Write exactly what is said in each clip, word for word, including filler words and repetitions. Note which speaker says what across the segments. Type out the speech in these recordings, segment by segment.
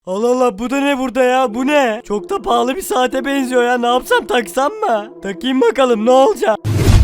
Speaker 1: Allah Allah, bu da ne burada ya, bu ne? Çok da pahalı bir saate benziyor ya, ne yapsam, taksam mı? Takayım bakalım ne olacak?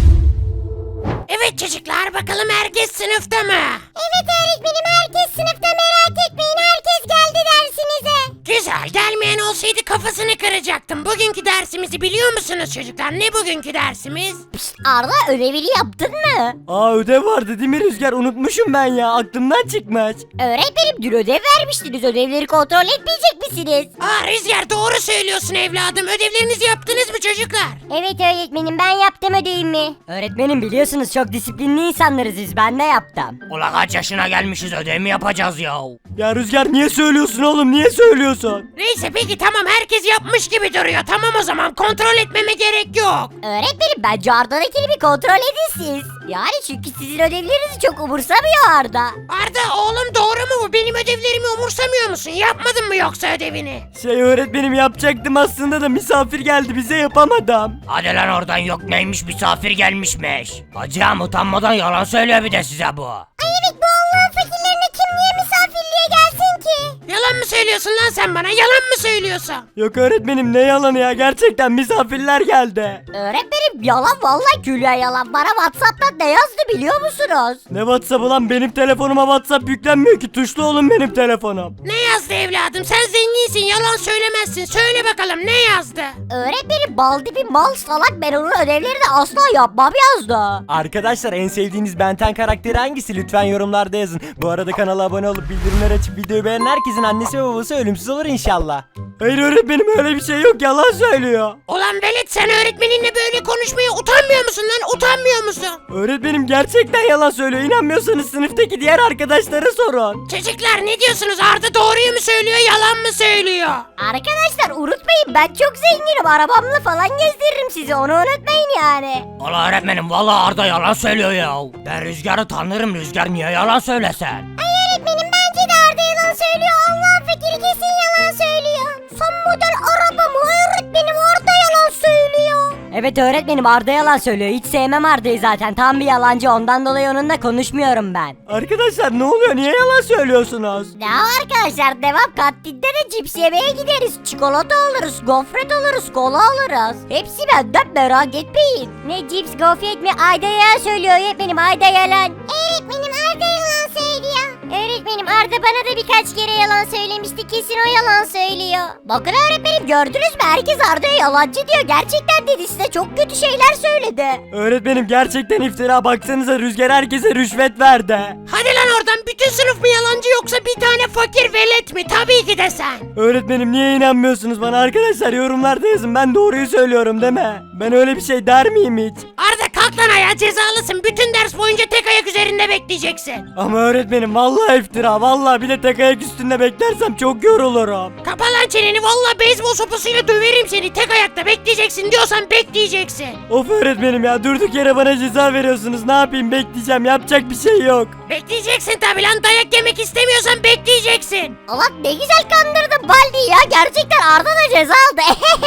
Speaker 2: Evet çocuklar, bakalım herkes sınıfta mı?
Speaker 3: Evet öğretmenim, herkes sınıfta, merak etmeyin, herkes geldi dersinize.
Speaker 2: Güzel, gelmeyen olsaydı kafasını kıracaktım. Bugünkü dersimizi biliyor musunuz çocuklar? Ne bugünkü dersimiz?
Speaker 3: Pişt, Arda, ödevini yaptın mı?
Speaker 1: Aa, ödev vardı değil mi Rüzgar, unutmuşum ben ya, aklımdan çıkmış.
Speaker 3: Öğretmenim, dün ödev vermiştiniz, ödevleri kontrol etmeyecek misiniz?
Speaker 2: Aa Rüzgar, doğru söylüyorsun evladım. Ödevlerinizi yaptınız mı çocuklar?
Speaker 3: Evet öğretmenim, ben yaptım ödevimi.
Speaker 4: Öğretmenim biliyorsunuz çok disiplinli insanlarız biz, ben de yaptım.
Speaker 5: Ula kaç yaşına gelmişiz, ödev mi yapacağız ya?
Speaker 1: Ya Rüzgar, niye söylüyorsun oğlum, niye söylüyorsun?
Speaker 2: Neyse peki tamam, herkes yapmış gibi duruyor. Tamam o zaman, kontrol etmeme gerek yok.
Speaker 3: Öğretmenim, bence Arda'dakini bir kontrol edin siz. Yani çünkü sizin ödevlerinizi çok umursamıyor Arda.
Speaker 2: Arda oğlum, doğru mu bu? Benim ödevlerimi umursamıyor musun? Yapmadın mı yoksa ödevini?
Speaker 1: Şey öğretmenim, yapacaktım aslında da misafir geldi, bize yapamadım.
Speaker 5: Hadi lan oradan, yok neymiş, misafir gelmişmiş. Hacım utanmadan yalan söylüyor bir de size bu.
Speaker 3: Ay evet, bu Allah'ın fakirlerine kim niye misafirliğe gelsin ki?
Speaker 2: Yalan mı söylüyorsun lan sen bana? Yalan mı söylüyorsun?
Speaker 1: Yok öğretmenim, ne yalanı ya, gerçekten misafirler geldi.
Speaker 3: Öğretmenim, yalan, vallahi külya yalan. Bana WhatsApp'tan ne yazdı biliyor musunuz?
Speaker 1: Ne WhatsApp'ı lan, benim telefonuma WhatsApp yüklenmiyor ki, tuşlu oğlum benim telefonum.
Speaker 2: Ne yazdı evladım? Sen zenginsin, yalan söylemezsin. Söyle bakalım, ne yazdı?
Speaker 3: Öğretmenim, bal dibi mal salak, ben onun ödevlerini asla yapmam yazdı.
Speaker 1: Arkadaşlar, en sevdiğiniz Ben on karakteri hangisi? Lütfen yorumlarda yazın. Bu arada kanala abone olup bildirimleri açıp videoyu beğenen herkesin annesi ve babası ölümsüz olur inşallah. Hayır öğretmenim, öyle bir şey yok, yalan söylüyor.
Speaker 2: Ulan velet, sen öğretmeninle böyle konuşmaya utanmıyor musun lan? Utanmıyor musun?
Speaker 1: Öğretmenim gerçekten yalan söylüyor. İnanmıyorsanız sınıftaki diğer arkadaşlara sorun.
Speaker 2: Çocuklar ne diyorsunuz? Arda doğruyu mu söylüyor, yalan mı söylüyor?
Speaker 3: Arkadaşlar unutmayın, ben çok zenginim, arabamla falan gezdiririm sizi, onu unutmayın yani.
Speaker 5: Ula öğretmenim vallahi Arda yalan söylüyor ya. Ben Rüzgar'ı tanırım, Rüzgar niye yalan söylesen?
Speaker 3: Ay öğretmenim, bence de Arda yalan söylüyor, Allah'ın fakiri kesin yalan söylüyor. Son model arabamı öğretmenim, Arda yalan söylüyor.
Speaker 4: Evet öğretmenim, Arda yalan söylüyor, hiç sevmem Arda'yı zaten, tam bir yalancı, ondan dolayı onunla konuşmuyorum ben.
Speaker 1: Arkadaşlar ne oluyor? Niye yalan söylüyorsunuz?
Speaker 3: Ne arkadaşlar, devam, kantinde de cips yemeye gideriz, çikolata alırız, gofret alırız, kola alırız. Hepsi benden, merak etmeyin. Ne cips, gofret mi? Ayda yalan söylüyor öğretmenim, Ayda yalan. Öğretmenim, Arda yalan söylüyor. Öğretmenim, Arda bana da birkaç kere yalan söylemişti, kesin o yalan söylüyor. Bakın öğretmenim, gördünüz mü, herkes Arda'ya yalancı diyor, gerçekten dedi, size çok kötü şeyler söyledi.
Speaker 1: Öğretmenim gerçekten iftira, baksanıza Rüzgar herkese rüşvet verdi.
Speaker 2: Hadi lan oradan, bütün sınıf mı yalancı yoksa bir tane fakir velet mi? Tabii ki de sen.
Speaker 1: Öğretmenim niye inanmıyorsunuz bana arkadaşlar, yorumlarda yazın, ben doğruyu söylüyorum değil mi? Ben öyle bir şey der miyim hiç?
Speaker 2: Arda kalk lan ayağa, cezalısın. Bütün ders boyunca tek ayak üzerinde bekleyeceksin.
Speaker 1: Ama öğretmenim vallahi iftira, vallahi bir de tek ayak üstünde beklersem çok yorulurum.
Speaker 2: Kapa lan çeneni, vallahi beyzbol sopasıyla döverim seni. Tek ayakta bekleyeceksin diyorsan bekleyeceksin.
Speaker 1: Of öğretmenim ya, durduk yere bana ceza veriyorsunuz, ne yapayım, bekleyeceğim, yapacak bir şey yok.
Speaker 2: Bekleyeceksin tabi lan, dayak yemek istemiyorsan bekleyeceksin.
Speaker 3: Allah, ne güzel kandırdın Baldi ya, gerçekten Arda da ceza aldı.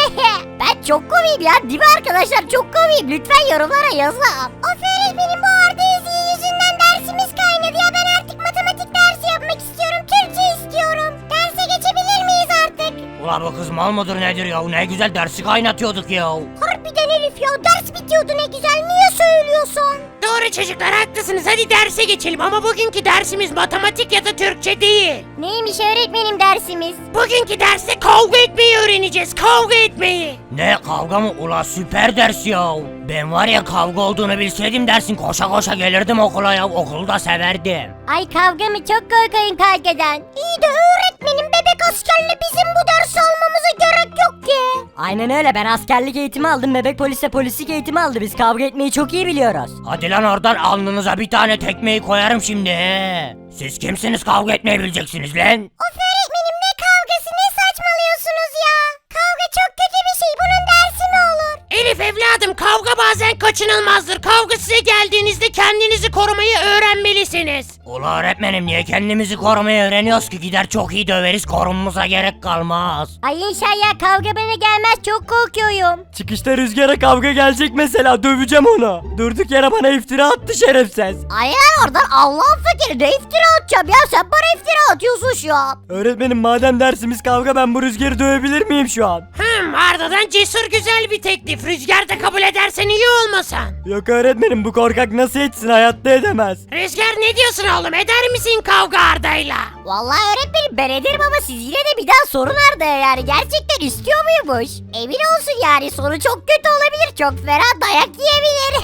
Speaker 3: Ben çok komiyim ya, değil mi arkadaşlar, çok komiyim, lütfen yorumlara yazın. Of öğretmenim, bu Arda Ezgi yüzünden dersimiz kaynadı ya, ben artık matematik dersi yapmak istiyorum, Türkçe istiyorum. Derse geçebilir miyiz artık?
Speaker 5: Ula bu kız mal mıdır nedir ya, ne güzel dersi kaynatıyorduk ya.
Speaker 3: Harbiden Elif ya, ders bitiyordu, ne güzel, niye söylüyorsun?
Speaker 2: Doğru çocuklar, haklısınız. Hadi derse geçelim ama bugünkü dersimiz matematik ya da Türkçe değil.
Speaker 3: Neymiş öğretmenim dersimiz?
Speaker 2: Bugünkü derste kavga etmeyi öğreneceğiz. Kavga etmeyi.
Speaker 5: Ne kavga mı, ula süper ders ya. Ben var ya, kavga olduğunu bilseydim dersin koşa koşa gelirdim okula ya, okulu da severdim.
Speaker 3: Ay kavga mı, çok korkayım kavgadan. İyi de öğretmenim, bebek askerle bizim bu dersi almamıza gerek yok ki.
Speaker 4: Aynen öyle, ben askerlik eğitimi aldım, bebek polise polislik eğitimi aldı, biz kavga etmeyi çok iyi biliyoruz.
Speaker 5: Hadi lan oradan, alnınıza bir tane tekmeyi koyarım şimdi he. Siz kimsiniz, kavga etmeyi bileceksiniz lan?
Speaker 3: Of öğretmenim, ne kavgası, ne saçmalıyorsunuz ya? Kavga çok kötü bir şey, bunun dersi mi olur?
Speaker 2: Elif evladım, kavga bazen kaçınılmazdır. Kavga size geldiğinizde kendinizi korumayı öğrenmelisiniz.
Speaker 5: Ula öğretmenim niye kendimizi korumayı öğreniyoruz ki? Gider çok iyi döveriz, korunmamıza gerek kalmaz.
Speaker 3: Ay inşallah kavga bana gelmez, çok korkuyorum.
Speaker 1: Çıkışta Rüzgar'a kavga gelecek mesela, döveceğim onu. Durduk yere bana iftira attı şerefsiz.
Speaker 3: Ay ya oradan Allah'ın fakiri, ne iftira atacağım ya, sen bana iftira atıyorsun şu an.
Speaker 1: Öğretmenim madem dersimiz kavga, ben bu Rüzgar'ı dövebilir miyim şu an?
Speaker 2: Hmm, Arda'dan cesur güzel bir teklif. Rüzgar da kabul edersen iyi olmasan.
Speaker 1: Yok öğretmenim, bu korkak nasıl etsin, hayatta edemez.
Speaker 2: Rüzgar ne diyorsun oğlum? Eder misin kavga Arda'yla?
Speaker 3: Vallahi öğretmenim ben ederim ama siz yine de bir daha sorun Arda'ya, yani gerçekten istiyor muymuş? Emin olsun yani, sonu çok kötü olabilir, çok fena dayak yiyebilir.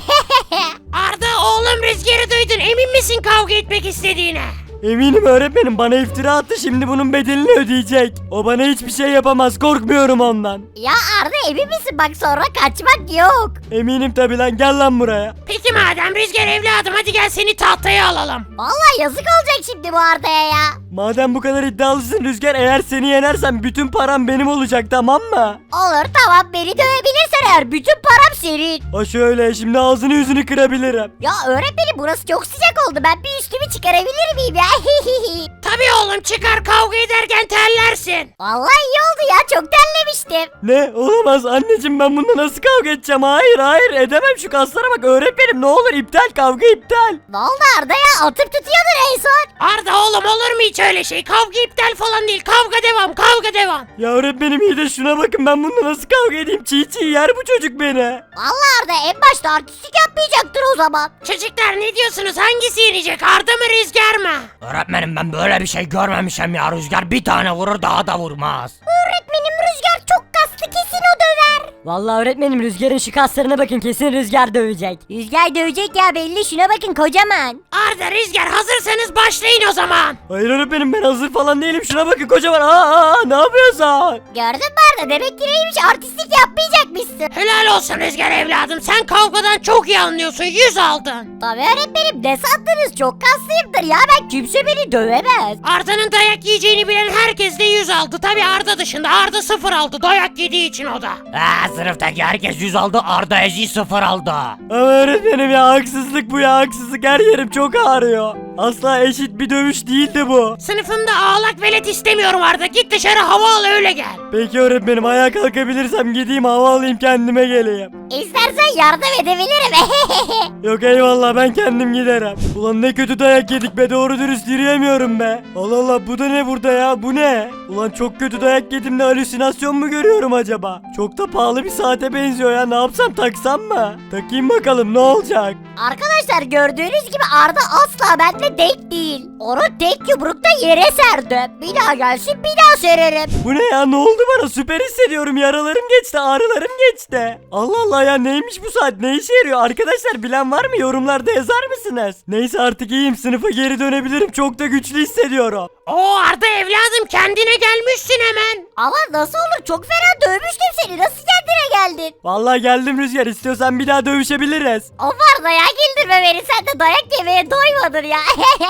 Speaker 2: Arda oğlum Rüzgar'ı duydun. Emin misin kavga etmek istediğine?
Speaker 1: Eminim öğretmenim, bana iftira attı, şimdi bunun bedelini ödeyecek. O bana hiçbir şey yapamaz, korkmuyorum ondan.
Speaker 3: Ya Arda emin misin, bak sonra kaçmak yok.
Speaker 1: Eminim tabi lan, gel lan buraya.
Speaker 2: Peki madem Rüzgar evladım, hadi gel seni tahtaya alalım.
Speaker 3: Vallahi yazık olacak şimdi bu Arda'ya ya.
Speaker 1: Madem bu kadar iddialısın Rüzgar, eğer seni yenersem bütün param benim olacak, tamam mı?
Speaker 3: Olur tamam, beni dövebilirsen eğer bütün param senin.
Speaker 1: Ha şöyle, şimdi ağzını yüzünü kırabilirim.
Speaker 3: Ya öğretmenim burası çok sıcak oldu, ben bir üstümü çıkarabilir miyim ya?
Speaker 2: Tabii oğlum, çıkar, kavga ederken terlersin.
Speaker 3: Vallahi iyi oldu ya, çok terlemiştim.
Speaker 1: Ne? Olamaz anneciğim, ben bununla nasıl kavga edeceğim? Hayır hayır, edemem, şu kaslara bak öğretmenim, ne olur iptal, kavga iptal.
Speaker 3: Ne oldu Arda ya, atıp tutuyordun en son.
Speaker 2: Arda oğlum, olur mu hiç öyle şey? Kavga iptal falan değil, kavga devam, kavga devam.
Speaker 1: Ya öğretmenim iyi de şuna bakın, ben bununla nasıl kavga edeyim? Çiğ çiğ yer bu çocuk beni.
Speaker 3: Vallahi Arda en başta artistlik yapmayacaktır o zaman.
Speaker 2: Çocuklar ne diyorsunuz? Hangisi yenecek? Arda mı Rüzgar mı?
Speaker 5: Öğretmenim ben böyle bir şey görmemişim ya. Rüzgar bir tane vurur, daha da vurmaz.
Speaker 3: Öğretmenim Rüzgar çok kaslı, kesin o döver.
Speaker 4: Vallahi öğretmenim Rüzgar'ın şu kaslarına bakın, kesin Rüzgar dövecek.
Speaker 3: Rüzgar dövecek ya, belli, şuna bakın kocaman.
Speaker 2: Arda, Rüzgar hazırsanız başlayın o zaman.
Speaker 1: Hayır öğretmenim, ben hazır falan değilim, şuna bakın kocaman. Aa, aa ne yapıyorsun?
Speaker 3: Gördün mü Arda, demek ki neymiş, artistlik yapmayacakmışsın.
Speaker 2: Helal olsun Rüzgar evladım, sen kavgadan çok iyi anlıyorsun, yüz aldın.
Speaker 3: Tabii öğretmenim, ne sandınız, çok kaslıyımdır ya, ben kimse beni dövemez.
Speaker 2: Arda'nın dayak yiyeceğini bilen herkes de yüz aldı. Tabii Arda dışında, Arda sıfır aldı dayak yediği için o da.
Speaker 5: Ha, sınıftaki herkes yüz aldı, Arda Ezi sıfır aldı.
Speaker 1: Ama öğretmenim ya, haksızlık bu ya, haksızlık, her yerim çok ağrıyor. Asla eşit bir dövüş değildi bu.
Speaker 2: Sınıfımda ağlak velet istemiyorum Arda, git dışarı hava al öyle gel.
Speaker 1: Peki öğretmenim, ayağa kalkabilirsem gideyim hava alayım, kendime geleyim.
Speaker 3: İstersen yardım edebilirim.
Speaker 1: Yok eyvallah, ben kendim giderim. Ulan ne kötü dayak yedik be, doğru dürüst yürüyemiyorum be. Allah Allah, bu da ne burada ya, bu ne? Ulan çok kötü dayak yedim de halüsinasyon mu görüyorum acaba? Çok da pahalı bir saate benziyor ya, ne yapsam, taksam mı? Takayım bakalım ne olacak?
Speaker 3: Arkadaşlar gördüğünüz gibi Arda asla benimle denk değil. Onu tek yumrukta yere serdim. Bir daha gelsin bir daha sererim.
Speaker 1: Bu ne ya, ne oldu bana? Süper hissediyorum, yaralarım geçti, ağrılarım geçti. Allah Allah ya, neymiş bu saat, ne işe yarıyor? Arkadaşlar bilen var mı, yorumlarda yazar mısınız? Neyse artık iyiyim, sınıfa geri dönebilirim, çok da güçlü hissediyorum.
Speaker 2: Oo Arda evladım, kendine gelmişsin hemen.
Speaker 3: Ama nasıl olur, çok fena dövmüştüm seni, nasıl kendine geldin?
Speaker 1: Vallahi geldim Rüzgar, istiyorsan bir daha dövüşebiliriz.
Speaker 3: O var da ya, güldürme beni, sen de dayak yemeye doymadın ya.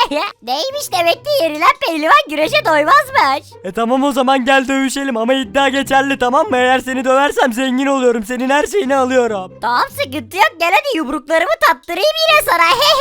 Speaker 3: Neymiş demek ki, yenilen pehlivan güreşe doymazmış.
Speaker 1: E tamam o zaman gel dövüşelim, ama iddia geçerli, tamam mı? Eğer seni döversem zengin oluyorum, senin her şeyini alıyorum.
Speaker 3: Tamam sıkıntı yok, gel hadi yumruklarımı tattırayım yine sana.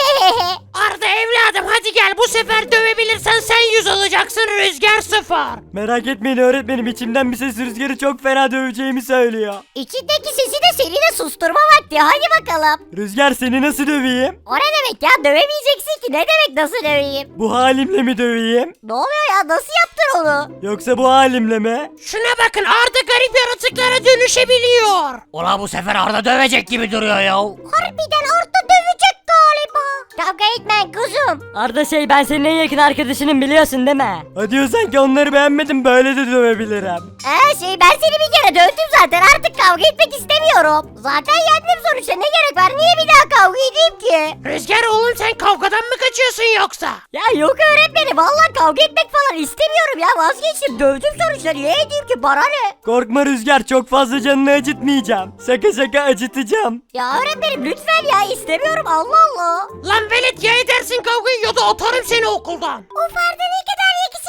Speaker 2: Arda evladım hadi gel, bu sefer dövebilirsen sen yüz alacaksın, Rüzgar sıfır.
Speaker 1: Merak etmeyin öğretmenim, içimden bir ses Rüzgar'ı çok fena döveceğimi söylüyor.
Speaker 3: İçindeki sesi de seni de susturma vakti, hadi bakalım.
Speaker 1: Rüzgar, seni nasıl döveyim?
Speaker 3: O ne demek ya, dövemeyeceksin ki, ne demek nasıl döveyim?
Speaker 1: Bu halimle mi döveyim?
Speaker 3: Ne oluyor ya, nasıl yaptın onu?
Speaker 1: Yoksa bu halimle mi?
Speaker 2: Şuna bakın, Arda garip yaratıklara dönüşebiliyor.
Speaker 5: Ula bu sefer Arda dövecek gibi duruyor ya.
Speaker 3: Harbiden Arda dövecek galiba. Kavga etmeyin kuzum.
Speaker 4: Arda şey, ben senin en yakın arkadaşının, biliyorsun değil mi?
Speaker 1: Ha diyorsan ki onları beğenmedim, böyle de dövebilirim.
Speaker 3: Ee şey, ben seni bir kere dövdüm zaten, artık kavga etmek istemiyorum. Zaten yendim sonuçta, ne gerek var, niye bir daha kavga edeyim ki?
Speaker 2: Rüzgar oğlum, sen kavgadan mı kaçıyorsun yoksa?
Speaker 3: Ya yok öğretmenim, vallahi kavga etmek falan istemiyorum ya, vazgeçtim, dövdüm sonuçta, niye edeyim ki, bana ne?
Speaker 1: Korkma Rüzgar, çok fazla canını acıtmayacağım. Şaka şaka acıtacağım.
Speaker 3: Ya öğretmenim lütfen ya, istemiyorum, Allah Allah.
Speaker 2: Lan velet, ya edersin kavgayı ya da atarım seni okuldan.
Speaker 3: Of Arda ne kadar yakışıklı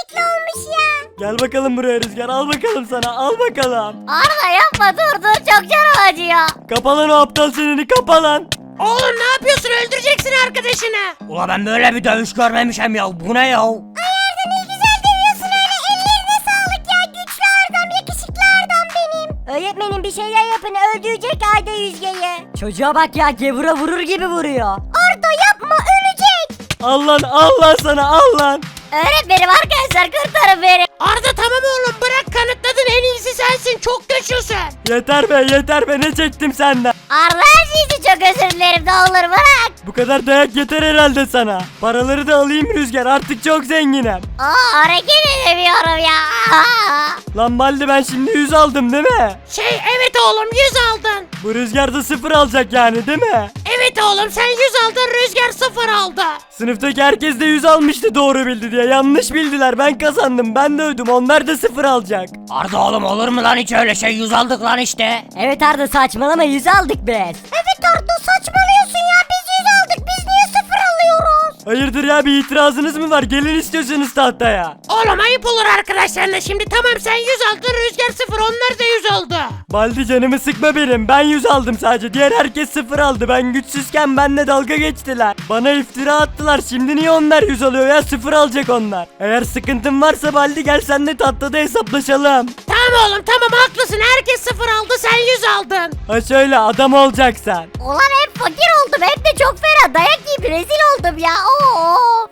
Speaker 3: yakışıklı olmuş ya.
Speaker 1: Gel bakalım buraya Rüzgar, al bakalım sana, al bakalım.
Speaker 3: Arda yapma dur dur çok canım acıyor.
Speaker 1: Kapa lan o aptal çeneni, kapa lan.
Speaker 2: Oğlum ne yapıyorsun? Öldüreceksin arkadaşını.
Speaker 5: Ula ben böyle bir dövüş görmemişim ya. Bu ne ya?
Speaker 3: Arda ne güzel dövüyorsun öyle ellerine sağlık ya. Güçlü Arda'm yakışıklı Arda'm benim.
Speaker 4: Öğretmenim bir şeyler yapın öldürecek Ayda Yüzge'yi. Çocuğa bak ya gevura vurur gibi vuruyor.
Speaker 3: Arda yapma ölecek.
Speaker 1: Al lan, al lan sana, al lan.
Speaker 3: Öğretmenim arkadaşlar kurtarın beni.
Speaker 2: Arda tamam oğlum bırak, kanıtladın, en iyisi sensin, çok güçlüsün.
Speaker 1: Yeter be, yeter be, ne çektim senden.
Speaker 3: Arda her şey için çok özür dilerim ne olur bırak.
Speaker 1: Bu kadar dayak yeter herhalde sana. Paraları da alayım Rüzgar, artık çok zenginim.
Speaker 3: Aa hareket edemiyorum ya. Aa.
Speaker 1: Lan Baldi, ben şimdi yüz aldım değil mi?
Speaker 2: Şey evet oğlum, yüz aldın.
Speaker 1: Bu Rüzgar da sıfır alacak yani değil mi?
Speaker 2: Evet oğlum sen yüz aldın, Rüzgar sıfır aldı.
Speaker 1: Sınıftaki herkes de yüz almıştı doğru bildi diye. Yanlış bildiler, ben kazandım, ben de ödüm, onlar da sıfır alacak.
Speaker 5: Arda oğlum olur mu lan hiç öyle şey? Yüz aldık lan işte.
Speaker 4: Evet Arda saçmalama yüz aldık biz.
Speaker 3: Evet Arda saçmalıyorsun ya biz yüz aldık biz niye sıfır alıyoruz?
Speaker 1: Hayırdır ya, bir itirazınız mı var? Gelin istiyorsunuz tahtaya.
Speaker 2: Oğlum ayıp olur arkadaşlarına şimdi, tamam sen yüz aldın, Rüzgar sıfır, onlar da yüz oldu.
Speaker 1: Baldi canımı sıkma benim. Ben yüz aldım sadece. Diğer herkes sıfır aldı. Ben güçsüzken benimle dalga geçtiler. Bana iftira attılar. Şimdi niye onlar yüz alıyor ya? Sıfır alacak onlar. Eğer sıkıntın varsa Baldi gel senle tahtada hesaplaşalım.
Speaker 2: Tamam oğlum tamam haklısın, herkes sıfır aldı, sen yüz aldın.
Speaker 1: Ha şöyle, adam olacaksan.
Speaker 3: Ulan hep fakir oldum hem de çok fena dayak yiyip rezil oldum ya.